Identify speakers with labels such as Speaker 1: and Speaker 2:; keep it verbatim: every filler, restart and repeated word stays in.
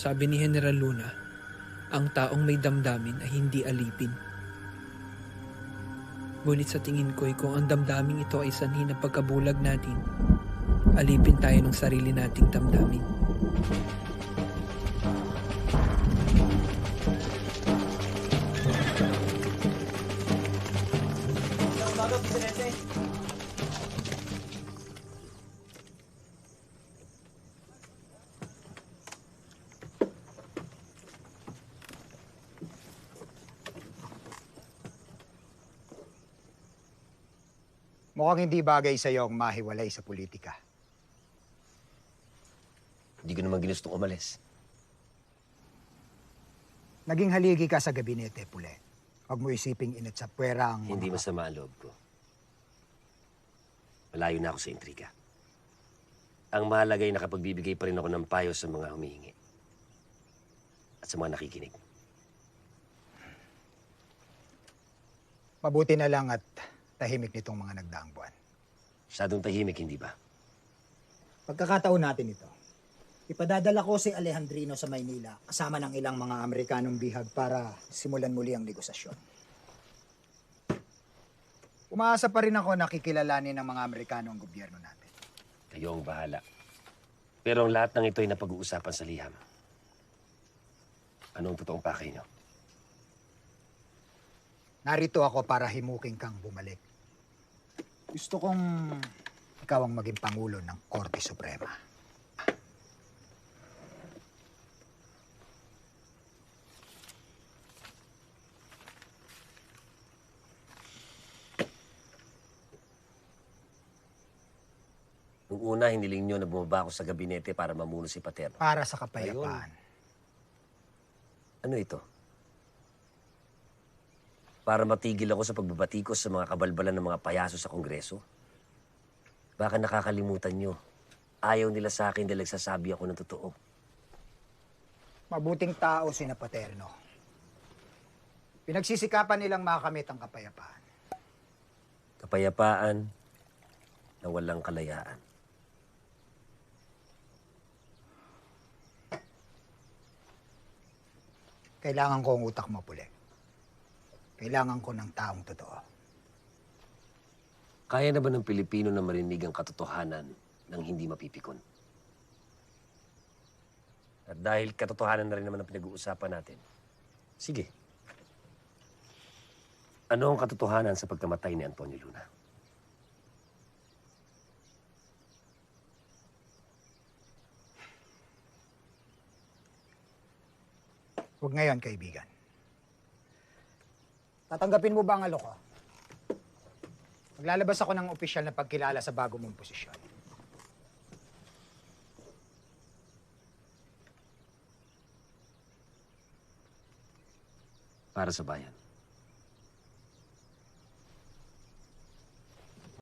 Speaker 1: Sabi ni General Luna, ang taong may damdamin ay hindi alipin. Ngunit sa tingin ko'y kung ang damdamin ito ay sanhi ng pagkabulag natin, alipin tayo ng sarili nating damdamin.
Speaker 2: Mukhang hindi bagay sa iyo ang mahiwalay sa politika.
Speaker 3: Hindi ko naman ginustong umalis.
Speaker 2: Naging haligi ka sa gabinete, Pule. Huwag mo isiping init sa puwera ang...
Speaker 3: Hindi masama ang loob ko. Malayo na ako sa intriga. Ang mahalaga ay nakapagbibigay pa rin ako ng payo sa mga humihingi. At sa mga nakikinig.
Speaker 2: Mabuti na lang at tahimik nitong mga nagdaang buwan.
Speaker 3: Masyadong tahimik, hindi ba?
Speaker 4: Pagkakataon natin ito. Ipadadala ko si Alejandrino sa Maynila kasama ng ilang mga Amerikanong bihag para simulan muli ang negosasyon.
Speaker 2: Umaasa pa rin ako na kikilalanin ng mga Amerikano ang gobyerno natin.
Speaker 3: Kayo ang bahala. Pero ang lahat ng ito ay napag-uusapan sa liham. Ano ang totoong pakay niyo?
Speaker 2: Narito ako para himuking kang bumalik. Gusto kong ikaw ang maging Pangulo ng Korte Suprema.
Speaker 3: Nung una, hiniling niyo na bumaba ako sa gabinete para mamuno si Paterno.
Speaker 2: Para sa kapayapaan.
Speaker 3: Ano ito? Para matigil ako sa pagbabatikos sa mga kabalbalan ng mga payaso sa Kongreso? Baka nakakalimutan nyo. Ayaw nila sa akin dahil nagsasabi ako ng totoo.
Speaker 2: Mabuting tao si Paterno. Pinagsisikapan nilang makamit ang kapayapaan.
Speaker 3: Kapayapaan na walang kalayaan.
Speaker 2: Kailangan ko ang utak mo, Pule. Kailangan ko ng taong totoo.
Speaker 3: Kaya na ba ng Pilipino na marinig ang katotohanan ng hindi mapipikon? At dahil katotohanan na rin naman ang pinag-uusapan natin, sige. Ano ang katotohanan sa pagkamatay ni Antonio Luna?
Speaker 2: Huwag ngayon, kaibigan. Tatanggapin mo ba ang alok ko? Maglalabas ako ng opisyal na pagkilala sa bago mong posisyon.
Speaker 3: Para sa bayan.